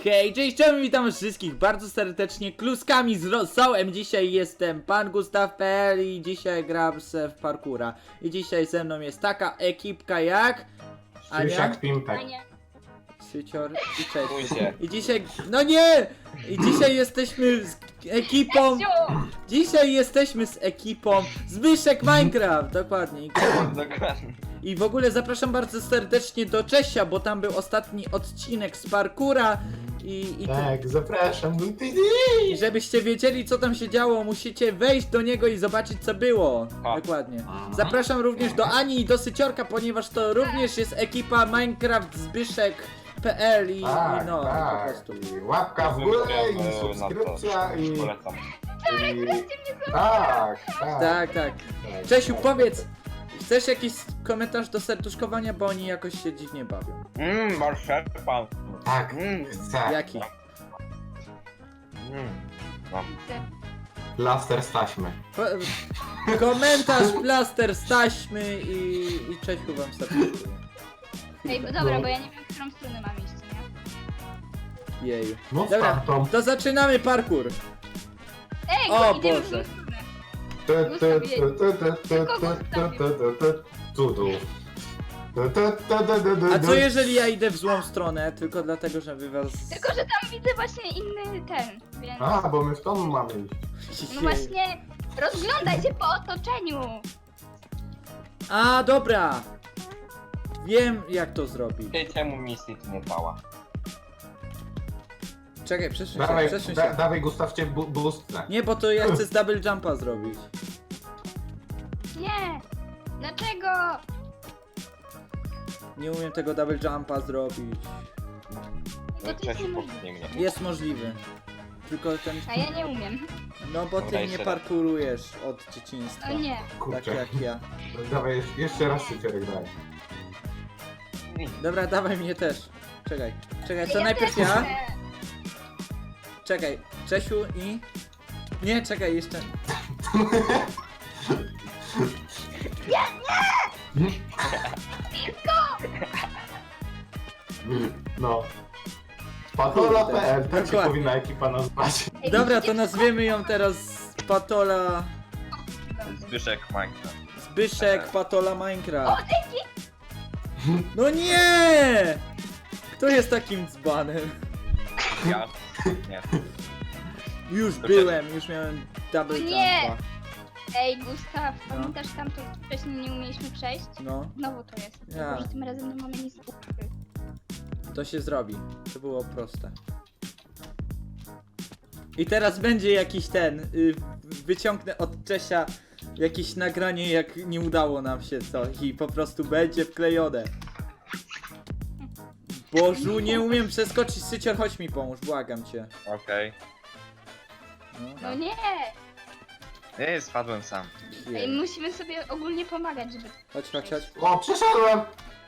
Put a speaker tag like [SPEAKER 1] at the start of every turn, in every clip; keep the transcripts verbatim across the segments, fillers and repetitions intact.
[SPEAKER 1] Hej, cześć, cześć, witam wszystkich bardzo serdecznie, kluskami z rosołem. Dzisiaj jestem pan Gustaw kropka p l i dzisiaj gram se w parkura. I dzisiaj ze mną jest taka ekipka jak... Ania,
[SPEAKER 2] Sysiak Pimpek.
[SPEAKER 1] Sycior i cześć.
[SPEAKER 3] Pójdzie.
[SPEAKER 1] I dzisiaj... No nie! I dzisiaj jesteśmy z ekipą... Dzisiaj jesteśmy z ekipą Zbyszek Minecraft, dokładnie.
[SPEAKER 3] Dokładnie.
[SPEAKER 1] I w ogóle zapraszam bardzo serdecznie do Czesia, bo tam był ostatni odcinek z parkura i, i,
[SPEAKER 2] Tak, zapraszam.
[SPEAKER 1] i żebyście wiedzieli, co tam się działo, musicie wejść do niego i zobaczyć, co było.
[SPEAKER 3] A.
[SPEAKER 1] Dokładnie. Zapraszam również do Ani i do Syciorka, ponieważ to również jest ekipa Minecraft Zbyszek kropka p l i,
[SPEAKER 2] Tak,
[SPEAKER 1] i no,
[SPEAKER 2] tak.
[SPEAKER 1] po prostu.
[SPEAKER 2] I łapka w górę i
[SPEAKER 3] Na to
[SPEAKER 2] subskrypcja i...
[SPEAKER 3] polecam.
[SPEAKER 2] i... Tak, tak.
[SPEAKER 1] Tak, tak.
[SPEAKER 2] tak,
[SPEAKER 1] Czesiu,
[SPEAKER 2] tak.
[SPEAKER 1] powiedz, chcesz jakiś komentarz do serduszkowania, bo oni jakoś się dziwnie bawią.
[SPEAKER 3] Mmm, marszerpan.
[SPEAKER 2] Tak,
[SPEAKER 3] Mmm,
[SPEAKER 2] chcę.
[SPEAKER 1] Jaki?
[SPEAKER 3] mmm. No.
[SPEAKER 2] Plaster z taśmy.
[SPEAKER 1] Po, komentarz, plaster z taśmy i, i Czesiu wam serduszkuje.
[SPEAKER 4] Ej, bo dobra, bo ja nie wiem, w którą stronę mam iść, nie?
[SPEAKER 1] Jeju.
[SPEAKER 2] No
[SPEAKER 1] Dobra,
[SPEAKER 2] tamtą.
[SPEAKER 1] to zaczynamy parkour.
[SPEAKER 4] Ej,
[SPEAKER 1] O,
[SPEAKER 4] go, idziemy w
[SPEAKER 1] Boże.
[SPEAKER 4] tą stronę.
[SPEAKER 2] Tu, tu, tu, tu, tu, tu, tu, tu, tu, tu, tu, tu. Tu, tu, tu, tu, tu, tu,
[SPEAKER 1] A
[SPEAKER 2] tu.
[SPEAKER 1] co jeżeli ja idę w złą stronę, tylko dlatego, że wy was...
[SPEAKER 4] Tylko, że tam widzę właśnie inny ten, więc...
[SPEAKER 2] A, bo my w tą mamy iść.
[SPEAKER 4] No właśnie, rozglądaj się po otoczeniu.
[SPEAKER 1] A, dobra. Wiem, jak to zrobić.
[SPEAKER 3] Ty czemu misji tu nie dała?
[SPEAKER 1] Czekaj, przesuń się,
[SPEAKER 2] Dawaj,
[SPEAKER 1] przesuń
[SPEAKER 2] da,
[SPEAKER 1] się.
[SPEAKER 2] dawaj Gustaw cię bu boostnę.
[SPEAKER 1] Nie, bo to ja chcę z double jumpa zrobić.
[SPEAKER 4] Nie! Dlaczego?
[SPEAKER 1] Nie umiem tego double jumpa zrobić.
[SPEAKER 4] Bo to jest
[SPEAKER 3] Czesiu
[SPEAKER 4] niemożliwe.
[SPEAKER 3] popchnie mnie.
[SPEAKER 1] Jest możliwy. Tylko ten...
[SPEAKER 4] A ja nie umiem.
[SPEAKER 1] No bo ty
[SPEAKER 3] Dobra,
[SPEAKER 1] nie
[SPEAKER 3] jeszcze raz.
[SPEAKER 1] parkurujesz od dzieciństwa.
[SPEAKER 4] O nie.
[SPEAKER 1] Tak
[SPEAKER 2] Kurczę.
[SPEAKER 1] jak ja.
[SPEAKER 2] Dawaj, jeszcze- jeszcze raz Syciorek daj.
[SPEAKER 1] Dobra, dawaj mnie też. Czekaj, czekaj, co
[SPEAKER 4] Ja
[SPEAKER 1] najpierw
[SPEAKER 4] też
[SPEAKER 1] ja?
[SPEAKER 4] chcę.
[SPEAKER 1] Czekaj, Czesiu i... Nie, czekaj, jeszcze...
[SPEAKER 2] No. Patola kropka p l, tak się
[SPEAKER 1] Dokładnie.
[SPEAKER 2] powinna ekipa nazwać.
[SPEAKER 4] Ej,
[SPEAKER 1] Dobra,
[SPEAKER 4] musicie
[SPEAKER 1] to nazwiemy ją teraz Patola...
[SPEAKER 3] Zbyszek Minecraft.
[SPEAKER 1] Zbyszek Patola
[SPEAKER 4] O,
[SPEAKER 1] Minecraft.
[SPEAKER 4] dzięki!
[SPEAKER 1] No nie! Kto jest takim dzbanem?
[SPEAKER 3] Ja? Nie.
[SPEAKER 1] Już
[SPEAKER 3] To
[SPEAKER 1] byłem, już miałem double
[SPEAKER 4] Nie!
[SPEAKER 1] jumpa.
[SPEAKER 4] Ej, Gustaw, pamiętasz tam, to wcześniej nie umieliśmy przejść?
[SPEAKER 1] No,
[SPEAKER 4] Znowu to jest.
[SPEAKER 1] Ja.
[SPEAKER 4] Tylko, że tym razem nie mamy nic ukryć.
[SPEAKER 1] to się zrobi. To było proste. I teraz będzie jakiś ten... Y, wyciągnę od Czesia jakieś nagranie, jak nie udało nam się coś i po prostu będzie wklejone. Bożu, nie umiem przeskoczyć. Sycior, chodź mi pomóż, błagam cię.
[SPEAKER 3] Okej.
[SPEAKER 1] No,
[SPEAKER 4] No nie!
[SPEAKER 3] Nie, spadłem sam.
[SPEAKER 4] Ej,
[SPEAKER 1] jej.
[SPEAKER 4] musimy sobie ogólnie pomagać, żeby...
[SPEAKER 1] Chodź, chodź, chodź.
[SPEAKER 2] O, przeszedłem!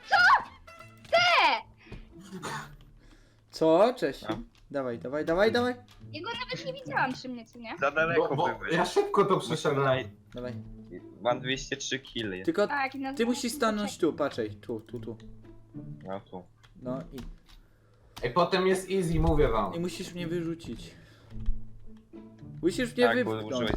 [SPEAKER 1] Co? Cześć.
[SPEAKER 3] No.
[SPEAKER 1] Dawaj, dawaj, dawaj, dawaj.
[SPEAKER 4] Ja go nawet nie widziałam przy mnie, co nie?
[SPEAKER 3] Za daleko
[SPEAKER 2] Bo, bo
[SPEAKER 3] byłeś.
[SPEAKER 2] ja szybko to przeszedłem.
[SPEAKER 1] Dawaj.
[SPEAKER 3] Mam dwieście trzy killy.
[SPEAKER 1] Tylko
[SPEAKER 4] Tak, i na
[SPEAKER 1] ty musisz stanąć tu, patrzaj. Tu, tu, tu.
[SPEAKER 3] No tu.
[SPEAKER 1] No i,
[SPEAKER 2] Ej, potem jest easy, mówię wam.
[SPEAKER 1] i musisz mnie wyrzucić. Musisz mnie
[SPEAKER 3] Tak, bo
[SPEAKER 1] wypchnąć.
[SPEAKER 3] użyłeś.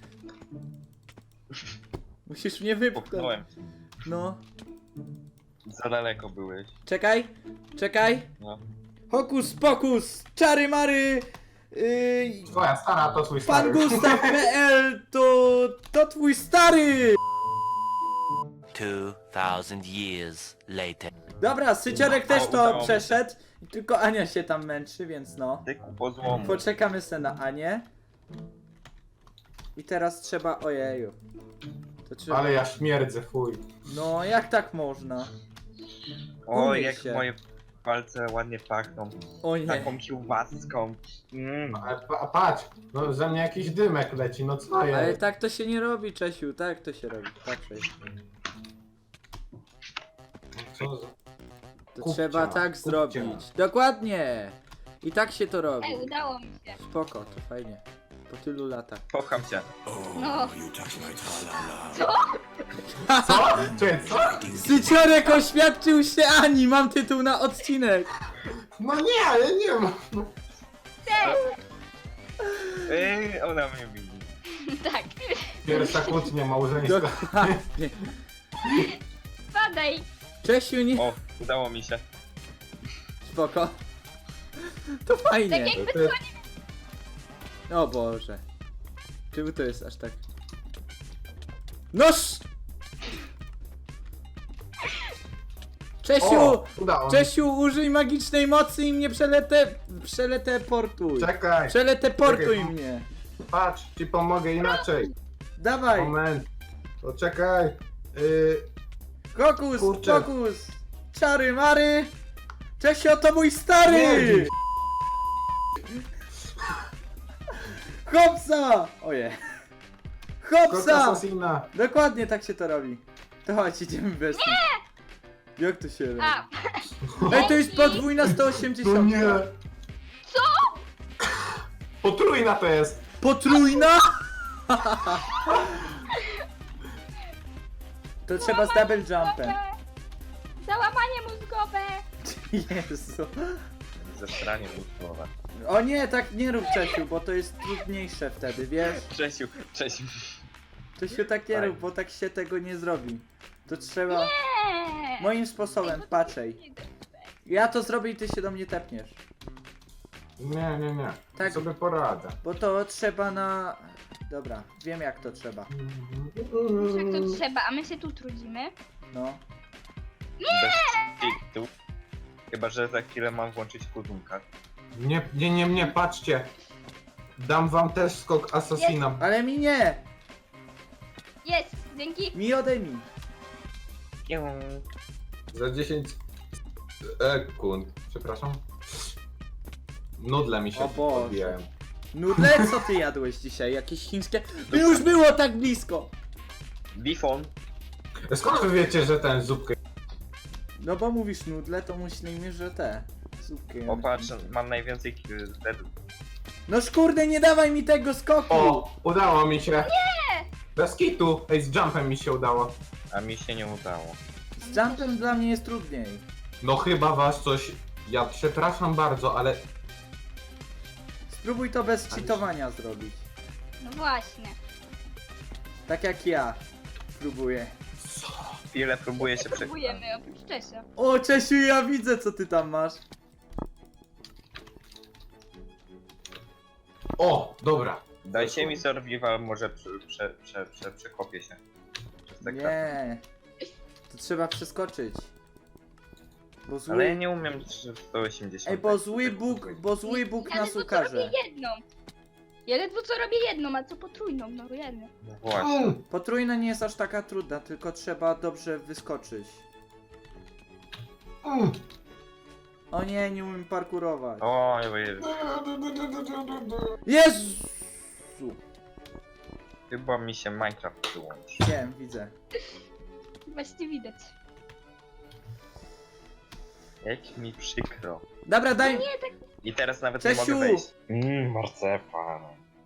[SPEAKER 1] Musisz mnie wypchnąć.
[SPEAKER 3] Popchnąłem.
[SPEAKER 1] No.
[SPEAKER 3] Za daleko byłeś.
[SPEAKER 1] Czekaj, czekaj.
[SPEAKER 3] No.
[SPEAKER 1] Hokus pokus, czary mary. Yy,
[SPEAKER 2] Twoja stara to twój
[SPEAKER 1] pan
[SPEAKER 2] stary.
[SPEAKER 1] Gustaw kropka p l to, to twój stary.
[SPEAKER 5] Two thousand years later.
[SPEAKER 1] Dobra, Syciorek też
[SPEAKER 3] O,
[SPEAKER 1] to
[SPEAKER 3] udało mi się.
[SPEAKER 1] przeszedł. Tylko Ania się tam męczy, więc no.
[SPEAKER 3] Ty kupo złomu.
[SPEAKER 1] Poczekamy se na Anię. I teraz trzeba... Ojeju. To trzeba...
[SPEAKER 2] Ale ja śmierdzę, fuj.
[SPEAKER 1] No, jak tak można?
[SPEAKER 3] O,
[SPEAKER 1] umyj
[SPEAKER 3] jak
[SPEAKER 1] się.
[SPEAKER 3] moje palce ładnie pachną.
[SPEAKER 1] O nie.
[SPEAKER 3] Taką kiełbaską. Mm.
[SPEAKER 2] A, pa, patrz, no ze mnie jakiś dymek leci, no co
[SPEAKER 1] Ale
[SPEAKER 2] jest?
[SPEAKER 1] tak to się nie robi, Czesiu. Tak to się robi. Patrzaj.
[SPEAKER 2] Co za...
[SPEAKER 1] To
[SPEAKER 2] Kupcia,
[SPEAKER 1] trzeba tak
[SPEAKER 2] kupcia.
[SPEAKER 1] zrobić. Dokładnie. I tak się to robi.
[SPEAKER 4] Ej, udało mi się.
[SPEAKER 1] Spoko, to fajnie. Po tylu latach.
[SPEAKER 3] Kocham cię.
[SPEAKER 4] No.
[SPEAKER 2] Co? Czekaj, co?
[SPEAKER 1] Syciorek oświadczył się Ani! Mam tytuł na odcinek!
[SPEAKER 2] No nie, ale nie ma.
[SPEAKER 3] Ej, ona mnie widzi.
[SPEAKER 4] Tak.
[SPEAKER 2] Pierwsza kłótnia małżeńska.
[SPEAKER 1] Dokładnie.
[SPEAKER 4] Padaj.
[SPEAKER 1] Czesiu, nie...
[SPEAKER 3] O, udało mi się.
[SPEAKER 1] Spoko. To fajnie.
[SPEAKER 4] Tak jakby
[SPEAKER 2] Ty-
[SPEAKER 1] O Boże. Czemu to jest aż tak? Noż! Czesiu!
[SPEAKER 2] O, udało mi się.
[SPEAKER 1] Czesiu, użyj magicznej mocy i mnie przelete... Przeleteportuj.
[SPEAKER 2] Czekaj,
[SPEAKER 1] Przeleteportuj
[SPEAKER 2] Czekaj.
[SPEAKER 1] mnie.
[SPEAKER 2] patrz, ci pomogę inaczej.
[SPEAKER 1] Dawaj.
[SPEAKER 2] Moment. Poczekaj. Yy,
[SPEAKER 1] Kokus,
[SPEAKER 2] Kurczę.
[SPEAKER 1] kokus. Czary mary. Czesio, to mój stary.
[SPEAKER 2] Nie,
[SPEAKER 1] Hopsa. Oje.
[SPEAKER 2] Kok
[SPEAKER 1] Hopsa.
[SPEAKER 2] Assassina.
[SPEAKER 1] Dokładnie tak się to robi. To chodź, idziemy bez nich. Jak to się robi?
[SPEAKER 4] A,
[SPEAKER 1] Ej, to jest podwójna sto
[SPEAKER 2] No
[SPEAKER 1] osiemdziesiąt.
[SPEAKER 2] nie. Co? Potrójna to jest.
[SPEAKER 1] Potrójna? To trzeba z double jumpem.
[SPEAKER 4] załamanie mózgowe.
[SPEAKER 1] Jezu.
[SPEAKER 3] Ze stranie słowa.
[SPEAKER 1] O nie, tak nie rób Czesiu, bo to jest trudniejsze wtedy, wiesz?
[SPEAKER 3] Czesiu, Czesiu.
[SPEAKER 1] Czesiu, tak nie
[SPEAKER 3] Tak.
[SPEAKER 1] rób, bo tak się tego nie zrobi. To trzeba
[SPEAKER 4] Nie.
[SPEAKER 1] moim sposobem, patrzej. Ja to zrobię i ty się do mnie tepniesz.
[SPEAKER 2] Nie, nie, nie.
[SPEAKER 1] Tak.
[SPEAKER 2] Sobie poradzę.
[SPEAKER 1] Bo to trzeba na... Dobra, wiem jak to trzeba.
[SPEAKER 4] Jak to trzeba, a my się tu trudzimy.
[SPEAKER 1] No.
[SPEAKER 3] Bez kitu. Chyba, że za chwilę mam włączyć kudunka.
[SPEAKER 2] Nie, nie, nie, nie, patrzcie. Dam wam też skok Assassina.
[SPEAKER 1] Ale mi nie!
[SPEAKER 4] Jest, dzięki.
[SPEAKER 1] Mi odejmij.
[SPEAKER 2] Za dziesięć sekund. Przepraszam. Nudle mi się
[SPEAKER 1] O Boże.
[SPEAKER 2] odbijają.
[SPEAKER 1] Nudle, co ty jadłeś dzisiaj? Jakieś chińskie? To już było tak blisko!
[SPEAKER 3] Bifon.
[SPEAKER 2] Skąd wy wiecie, że ten zupkę...
[SPEAKER 1] No bo mówisz nudle, to myślimy, że te... Zupki.
[SPEAKER 3] O patrz, mam najwięcej kill wtedy.
[SPEAKER 1] No kurde, nie dawaj mi tego skoku!
[SPEAKER 2] O, udało mi się. Nie! Bez kitu. Ej, z jumpem mi się udało.
[SPEAKER 3] A mi się nie udało.
[SPEAKER 1] Z jumpem dla mnie jest trudniej.
[SPEAKER 2] No chyba was coś... Ja przepraszam bardzo, ale...
[SPEAKER 1] Spróbuj to bez cheatowania zrobić.
[SPEAKER 4] No właśnie.
[SPEAKER 1] Tak jak ja. Próbuję.
[SPEAKER 3] Chwilę próbuję się przekonać.
[SPEAKER 4] Próbujemy oprócz Czesia.
[SPEAKER 1] O, Czesiu, ja widzę co ty tam masz.
[SPEAKER 2] O, dobra.
[SPEAKER 3] Dajcie mi survival, może prze, prze, prze, prze, przekopię się. Przez te kratki.
[SPEAKER 1] Nie. To trzeba przeskoczyć. Bo zły...
[SPEAKER 3] Ale ja nie umiem sto osiemdziesiąt.
[SPEAKER 1] Ej, bo zły Bóg, bo zły Bóg
[SPEAKER 4] Ja
[SPEAKER 1] nas
[SPEAKER 4] ledwo co
[SPEAKER 1] ukaże.
[SPEAKER 4] robię jedną. Ja ledwo co robię jedną, a co potrójną, no jedno.
[SPEAKER 3] No właśnie.
[SPEAKER 2] Mm.
[SPEAKER 1] Potrójna nie jest aż taka trudna, tylko trzeba dobrze wyskoczyć.
[SPEAKER 2] Mm.
[SPEAKER 1] O nie, nie umiem parkurować.
[SPEAKER 3] O, Jezu.
[SPEAKER 1] Jezu!
[SPEAKER 3] Chyba mi się Minecraft wyłączy.
[SPEAKER 1] Wiem, widzę.
[SPEAKER 4] Właśnie widać.
[SPEAKER 3] Jak mi przykro.
[SPEAKER 1] Dobra, daj...
[SPEAKER 4] Nie, tak
[SPEAKER 3] I teraz nawet
[SPEAKER 1] Czesiu!
[SPEAKER 3] nie mogę wejść. Mmm, marcepan.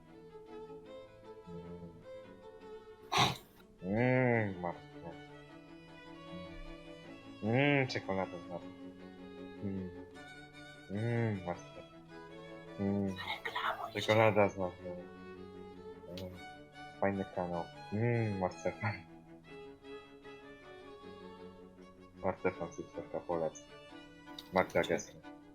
[SPEAKER 3] Mmm, marcepan. Mmm, czekolada z natą. Mmm, mmm, marcepan. Mmm, czekolada z natą. Mm, fajny kanał. Mmm, marcepan. Marcepan, cyfrowka, polecam. Magda Gessler.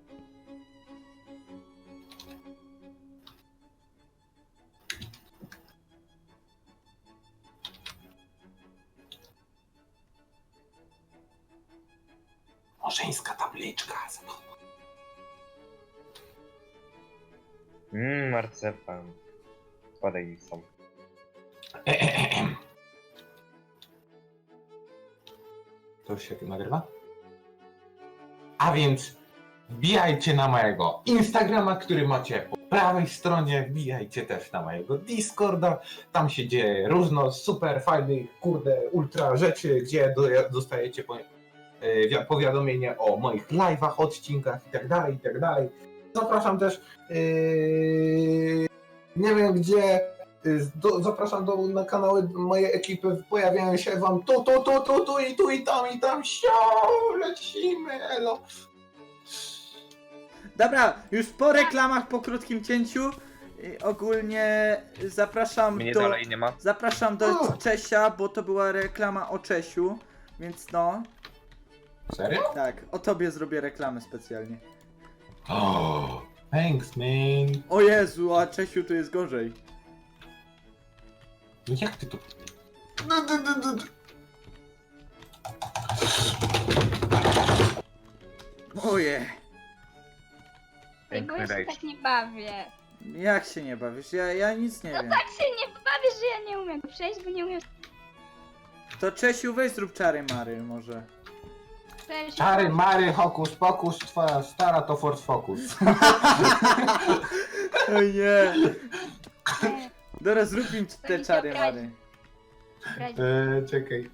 [SPEAKER 2] Małżeńska tabliczka.
[SPEAKER 3] Mmm, marcepan. Spadaj mi są.
[SPEAKER 2] To już się nagrywa? A więc wbijajcie na mojego Instagrama, który macie po prawej stronie, wbijajcie też na mojego Discorda, tam się dzieje różno super fajnych, kurde, ultra rzeczy, gdzie do, dostajecie po, e, powiadomienie o moich live'ach, odcinkach i tak dalej, i tak dalej. Zapraszam też, yy, nie wiem gdzie, yy, do, zapraszam do, na kanały mojej ekipy, pojawiają się wam tu, tu, tu, tu, tu i tu i tam i tam, sio, lecimy, elo.
[SPEAKER 1] Dobra, już po reklamach, po krótkim cięciu. y, Ogólnie zapraszam
[SPEAKER 3] Mnie
[SPEAKER 1] do...
[SPEAKER 3] dalej nie ma.
[SPEAKER 1] Zapraszam do
[SPEAKER 2] O!
[SPEAKER 1] Czesia, bo to była reklama o Czesiu. Więc no,
[SPEAKER 2] Serio?
[SPEAKER 1] tak, o tobie zrobię reklamę specjalnie.
[SPEAKER 2] Oh, thanks, man.
[SPEAKER 1] O Jezu, a Czesiu tu jest gorzej.
[SPEAKER 2] No jak ty to...
[SPEAKER 1] Oje,
[SPEAKER 4] Ej, bo ja
[SPEAKER 3] Piękny
[SPEAKER 4] się
[SPEAKER 3] rejs.
[SPEAKER 4] tak nie bawię.
[SPEAKER 1] jak się nie bawisz? Ja, ja nic nie
[SPEAKER 4] No
[SPEAKER 1] wiem.
[SPEAKER 4] tak się nie bawię, że ja nie umiem przejść, bo nie umiem
[SPEAKER 1] To Czesiu, weź zrób czary mary może.
[SPEAKER 4] przejść.
[SPEAKER 2] Czary, mary, hokus pokus, twoja stara to Ford Focus.
[SPEAKER 1] O nie.
[SPEAKER 4] Nie,
[SPEAKER 1] Dobra, zrób im te
[SPEAKER 4] Będzie
[SPEAKER 1] czary
[SPEAKER 4] obrazić.
[SPEAKER 1] mary.
[SPEAKER 4] brać.
[SPEAKER 2] Eee, czekaj.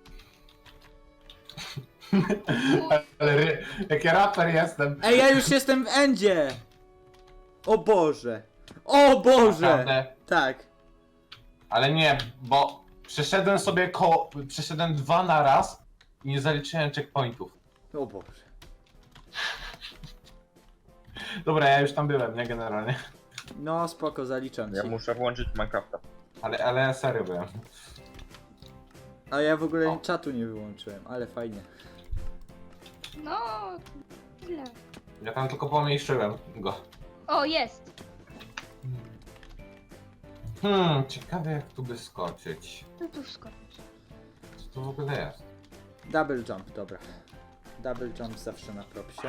[SPEAKER 2] Ale ry- jaki raper jestem.
[SPEAKER 1] Ej, ja już jestem w endzie! O Boże! O Boże!
[SPEAKER 2] Naprawdę.
[SPEAKER 1] Tak.
[SPEAKER 2] Ale nie, bo przeszedłem sobie koło... Przeszedłem dwa na raz i nie zaliczyłem checkpointów.
[SPEAKER 1] O Boże.
[SPEAKER 2] Dobra, ja już tam byłem, nie generalnie.
[SPEAKER 1] No spoko, zaliczam
[SPEAKER 3] Ja
[SPEAKER 1] ci.
[SPEAKER 3] muszę włączyć Minecrafta.
[SPEAKER 2] Ale, ale ja serio byłem.
[SPEAKER 1] A ja w ogóle
[SPEAKER 2] O.
[SPEAKER 1] czatu nie wyłączyłem, ale fajnie.
[SPEAKER 4] No, źle.
[SPEAKER 2] Ja tam tylko pomniejszyłem go.
[SPEAKER 4] O, jest.
[SPEAKER 2] Hmm, ciekawe jak tu by skoczyć.
[SPEAKER 4] To tu skoczysz.
[SPEAKER 2] Co to w ogóle jest?
[SPEAKER 1] Double jump, dobra. Double jump zawsze na propsie.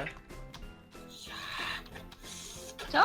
[SPEAKER 4] Co?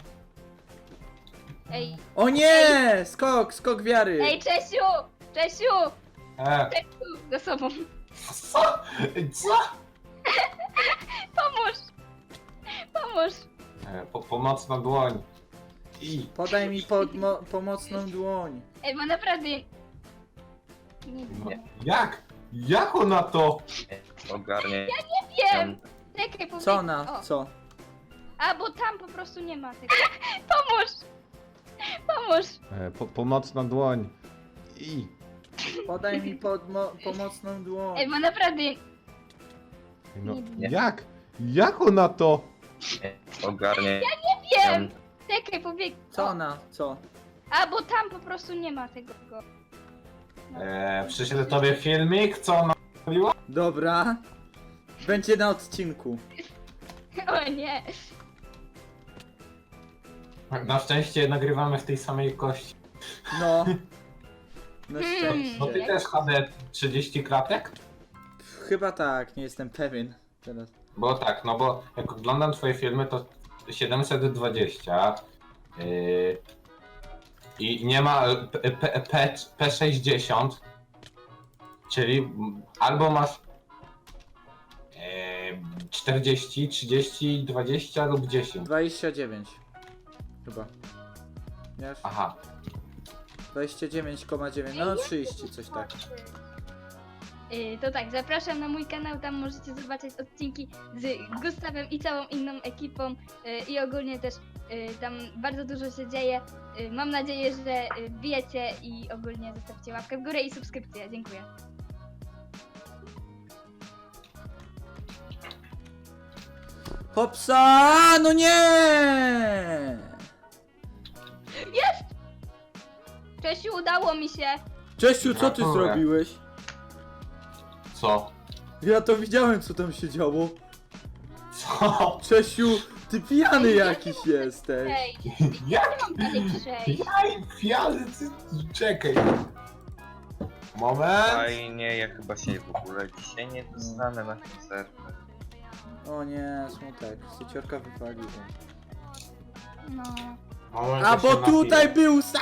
[SPEAKER 4] Ej,
[SPEAKER 1] O nie! Skok, skok wiary!
[SPEAKER 4] ej, Czesiu! Czesiu!
[SPEAKER 2] E,
[SPEAKER 4] Czesiu! Za sobą.
[SPEAKER 2] co? Co?
[SPEAKER 4] Pomóż! Pomóż!
[SPEAKER 2] E, po, pomocna dłoń. I.
[SPEAKER 1] Podaj mi podmo pomocną dłoń.
[SPEAKER 4] Ej, bo naprawdę... Nie
[SPEAKER 2] No,
[SPEAKER 4] wiem.
[SPEAKER 2] jak? Jak ona to?
[SPEAKER 3] Ogarnie.
[SPEAKER 4] Wiem! Czekaj, powiedz...
[SPEAKER 1] Co na,
[SPEAKER 4] O,
[SPEAKER 1] co?
[SPEAKER 4] a, bo tam po prostu nie ma tego. Pomóż! Pomóż!
[SPEAKER 6] E, po, pomocna dłoń. I.
[SPEAKER 1] Podaj mi podmo pomocną dłoń.
[SPEAKER 4] Ej, bo naprawdę...
[SPEAKER 6] No,
[SPEAKER 4] Nie.
[SPEAKER 6] jak? Jak ona to?
[SPEAKER 3] Ogarnie.
[SPEAKER 4] Wiem! Czekaj, powiedz...
[SPEAKER 1] Co na, co?
[SPEAKER 4] A, bo tam po prostu nie ma tego. No.
[SPEAKER 2] E, przyszedł tobie filmik, co ona mówiła?
[SPEAKER 1] Dobra. Będzie na odcinku.
[SPEAKER 4] O nie!
[SPEAKER 2] Na szczęście nagrywamy w tej samej kości.
[SPEAKER 1] No. Na
[SPEAKER 4] Hmm.
[SPEAKER 1] szczęście.
[SPEAKER 2] No ty też H D trzydzieści klatek?
[SPEAKER 1] Chyba tak, nie jestem pewien. Teraz.
[SPEAKER 2] Bo tak, no bo jak oglądam twoje filmy to siedemset dwadzieścia yy, i nie ma P, P, P, P sześćdziesiąt, czyli albo masz yy, czterdzieści, trzydzieści, dwadzieścia lub dziesięć.
[SPEAKER 1] dwadzieścia dziewięć. Chyba. Wiesz?
[SPEAKER 2] Aha,
[SPEAKER 1] dwadzieścia dziewięć przecinek dziewięć. No trzydzieści, coś tak.
[SPEAKER 4] Yy, to tak, zapraszam na mój kanał, tam możecie zobaczyć odcinki z Gustawem i całą inną ekipą yy, i ogólnie też yy, tam bardzo dużo się dzieje. Yy, mam nadzieję, że yy, wbijecie i ogólnie zostawcie łapkę w górę i subskrypcję. Dziękuję.
[SPEAKER 1] Hopsa! No nie!
[SPEAKER 4] Czesiu, udało mi się!
[SPEAKER 1] Czesiu, co ty
[SPEAKER 2] Gratuluję.
[SPEAKER 1] zrobiłeś?
[SPEAKER 2] co?
[SPEAKER 1] Ja to widziałem, co tam się działo.
[SPEAKER 2] Co?
[SPEAKER 1] Czesiu, ty pijany
[SPEAKER 4] Ej,
[SPEAKER 1] jakiś jesteś.
[SPEAKER 4] Ej,
[SPEAKER 2] Jak?
[SPEAKER 4] mam dalej przejść.
[SPEAKER 2] Jaj, fialy, ty, czekaj. Moment.
[SPEAKER 3] Fajnie, ja chyba się w ogóle dzisiaj nie dostanę na ten serwer.
[SPEAKER 1] O nie, smutek. Syciorka wywaliła.
[SPEAKER 4] No.
[SPEAKER 2] Moment,
[SPEAKER 1] A
[SPEAKER 2] ja
[SPEAKER 1] bo
[SPEAKER 2] się
[SPEAKER 1] tutaj
[SPEAKER 2] napiję.
[SPEAKER 1] był sa!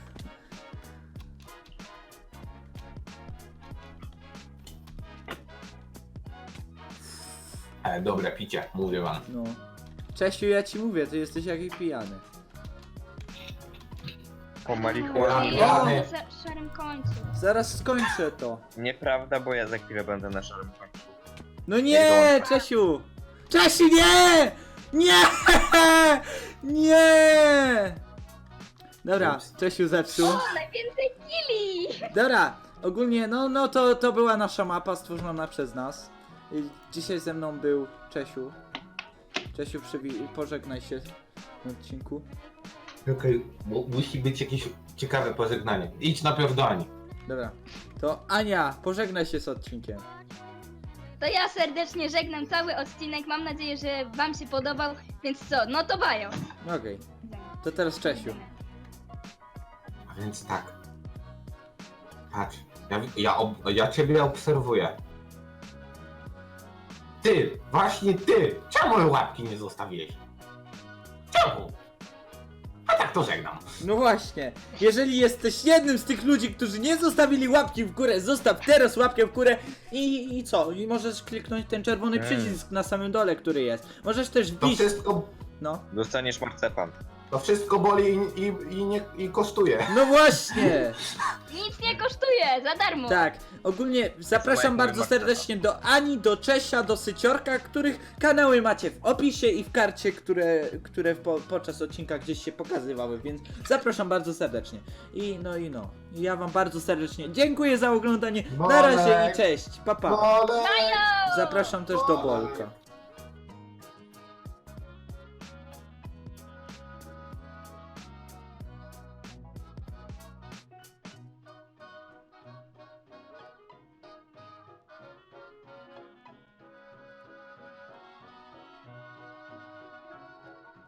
[SPEAKER 2] E, dobre picie, mówię wam.
[SPEAKER 1] No. Czesiu, ja ci mówię, ty jesteś jakiś pijany.
[SPEAKER 3] Po
[SPEAKER 4] Ej,
[SPEAKER 3] marihuanie.
[SPEAKER 4] ja
[SPEAKER 2] O!
[SPEAKER 4] będę na szarym końcu.
[SPEAKER 1] Zaraz skończę to.
[SPEAKER 3] Nieprawda, bo ja za chwilę będę na szarym końcu.
[SPEAKER 1] No nie, Czesiu! Czesiu, nie! Nie! Nie! Dobra,
[SPEAKER 2] Ups.
[SPEAKER 1] Czesiu zepsuł.
[SPEAKER 4] O, najwięcej kili!
[SPEAKER 1] Dobra, ogólnie, no, no to, to była nasza mapa stworzona przez nas. I dzisiaj ze mną był Czesiu. Czesiu, przywi- pożegnaj się w odcinku.
[SPEAKER 2] Okej, mu- musi być jakieś ciekawe pożegnanie. Idź najpierw do Ani.
[SPEAKER 1] Dobra. To Ania, pożegnaj się z odcinkiem.
[SPEAKER 4] To ja serdecznie żegnam cały odcinek. Mam nadzieję, że wam się podobał. Więc co? No to bajo.
[SPEAKER 1] Okej. To teraz Czesiu.
[SPEAKER 2] A więc tak. Patrz, ja, ja, ob, ja ciebie obserwuję. Ty, właśnie ty! Czemu łapki nie zostawiłeś? Czemu? A tak to żegnam.
[SPEAKER 1] No właśnie, jeżeli jesteś jednym z tych ludzi, którzy nie zostawili łapki w górę, zostaw teraz łapkę w górę i, i co? I możesz kliknąć ten czerwony
[SPEAKER 3] Mm.
[SPEAKER 1] przycisk na samym dole, który jest. Możesz też
[SPEAKER 2] To
[SPEAKER 1] wbić...
[SPEAKER 2] wszystko,
[SPEAKER 1] No.
[SPEAKER 3] Dostaniesz marcepan.
[SPEAKER 2] to wszystko boli i, i, i, nie, i kosztuje.
[SPEAKER 1] No właśnie!
[SPEAKER 4] Nic nie kosztuje, za darmo.
[SPEAKER 1] Tak, ogólnie zapraszam
[SPEAKER 3] moje
[SPEAKER 1] bardzo
[SPEAKER 3] marketing.
[SPEAKER 1] serdecznie do Ani, do Czesia, do Syciorka, których kanały macie w opisie i w karcie, które, które po, podczas odcinka gdzieś się pokazywały, więc zapraszam bardzo serdecznie. I no i no, ja wam bardzo serdecznie dziękuję za oglądanie, na razie i
[SPEAKER 2] Bolek.
[SPEAKER 1] cześć, pa pa.
[SPEAKER 2] Bolek!
[SPEAKER 1] Zapraszam też do Bolka.